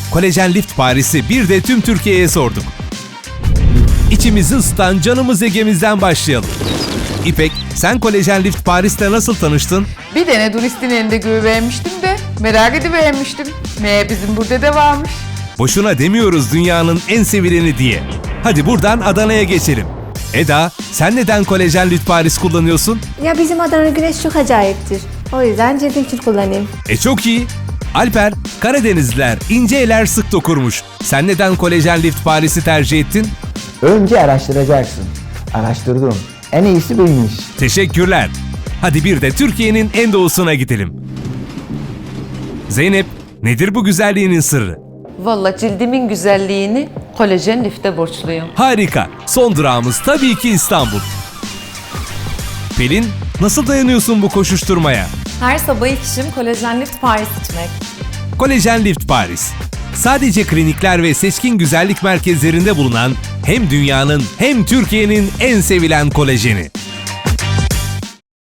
Kolajen Lift Paris'i bir de tüm Türkiye'ye sorduk. İçimizi ısıtan canımız Ege'mizden başlayalım. İpek, sen Kolajen Lift Paris'te nasıl tanıştın? Bir tane turistin elinde güvevermiştim de merak edivermiştim. Meğer bizim burada da varmış. Boşuna demiyoruz dünyanın en sevileni diye. Hadi buradan Adana'ya geçelim. Eda, sen neden Kolajen Lift Paris kullanıyorsun? Ya bizim Adana güneş çok acayiptir. O yüzden cildim için kullanayım. Çok iyi. Alper, Karadenizliler ince eller sık dokurmuş. Sen neden Kolajen Lift Paris'i tercih ettin? Önce araştıracaksın. Araştırdım. En iyisi buymuş. Teşekkürler. Hadi bir de Türkiye'nin en doğusuna gidelim. Zeynep, nedir bu güzelliğinin sırrı? Vallahi cildimin güzelliğini kolajen lifte borçluyum. Harika. Son durağımız tabii ki İstanbul. Pelin, nasıl dayanıyorsun bu koşuşturmaya? Her sabah ilk işim Kolajen Lift Paris içmek. Kolajen Lift Paris. Sadece klinikler ve seçkin güzellik merkezlerinde bulunan hem dünyanın hem Türkiye'nin en sevilen kolajeni.